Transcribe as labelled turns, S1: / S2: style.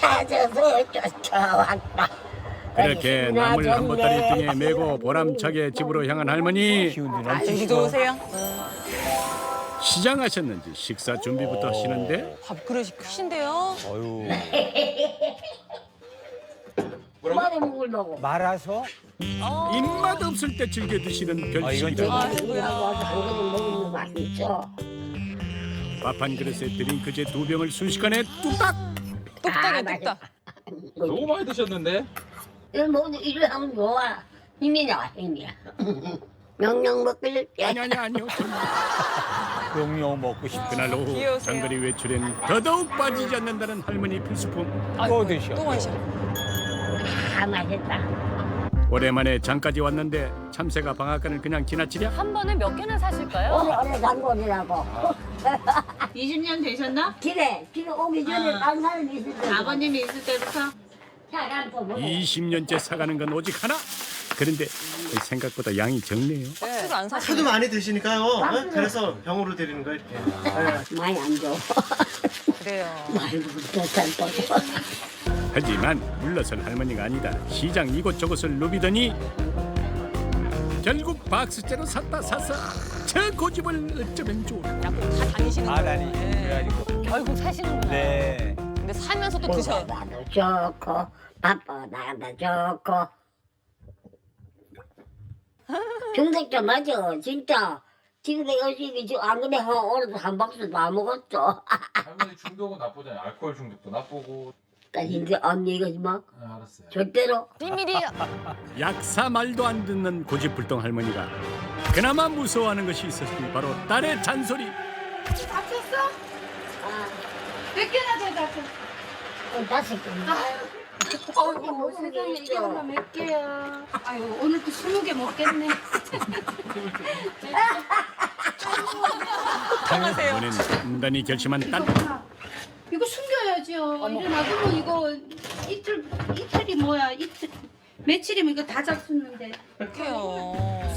S1: 찾아서 쫓아왔다.
S2: 그렇게 나물 한 보따리 등에 메고 보람차게 집으로 향한 할머니.
S3: 기운도
S4: 아, 여기
S3: 넘치시고.
S4: 좋으세요?
S2: 시장하셨는지 식사 준비부터 하시는데
S4: 밥그릇이 크신데요?
S3: 어유.
S1: 뭐를 먹으려고?
S3: 말아서?
S2: 입맛 없을 때 즐겨 드시는
S3: 아, 이건 좀-
S2: 별식이다.
S4: 아이고야.
S1: 한 그릇 먹으면 맛있죠.
S2: 밥 한 그릇에 드링크제 2병을 순식간에 뚝딱.
S4: 뚝딱이야,
S1: 아,
S4: 뚝딱.
S5: 너무 많이 드셨는데?
S1: 이거 먹으면 일을 하면 좋아. 힘이 나와, 힘이야. 명령 먹길.
S2: 아니요.
S3: 용용 먹고 싶구나.
S2: 그날 오후
S4: 귀여우세요.
S2: 장거리 외출엔 더더욱 빠지지 않는다는 할머니 필수품.
S3: 또 드셔.
S4: 또 마셔.
S1: 아, 맛있다.
S2: 오랜만에 장까지 왔는데 참새가 방앗간을 그냥 지나치랴?
S6: 한 번에 몇 개나 사실까요?
S1: 오늘 단골이라고.
S7: 20년 되셨나?
S1: 길에 오기 전에 딴 사람이 있을 때.
S7: 아버님이 있을 때부터?
S1: 사람 또 먹어.
S2: 20년째 사가는 건 오직 하나. 그런데 생각보다 양이 적네요.
S4: 박스를 안
S8: 하도
S4: 사시네.
S8: 많이 드시니까요. 그래서 병으로 드리는 거예요. 이렇게.
S1: 많이 안 줘.
S4: 그래요.
S1: 많이 먹고.
S2: 하지만 물러설 할머니가 아니다. 시장 이곳저곳을 누비더니 결국 박스째로 샀다 샀어. 저 고집을 어쩌면 좋을까.
S4: 다 다니시는
S3: 아,
S4: 거예요.
S3: 다니.
S4: 네.
S3: 그래가지고.
S6: 결국 사시는구나.
S3: 네.
S4: 근데 사면서 또 드셔.
S1: 나도 좋고 바빠 나도 좋고. 중독자 맞아 진짜. 지금 내가 지금 안 그래 오늘도 한 박스 다 먹었어.
S5: 할머니 중독은 나쁘잖아요. 알코올 중독도 나쁘고.
S1: 이제 안 얘기하지 마.
S5: 알았어요.
S1: 절대로.
S6: 비밀이
S2: 약사 말도 안 듣는 고집불통 할머니가 그나마 무서워하는 것이 있었으니 바로 딸의 잔소리.
S7: 합쳤어? 몇 개나 돼, 다섯?
S1: 5개.
S7: 아이고,
S1: 무슨
S7: 세상에
S1: 일이야.
S7: 이게 몇 개야. 아유, 오늘 또 20개 먹겠네.
S2: 이번엔 단단히 결심한 딸.
S7: 이거 숨겨야죠. 이거 놔두면 이거 이틀이 뭐야, 이틀. 며칠이면 이거 다 잡수는데.
S4: 어떡해요.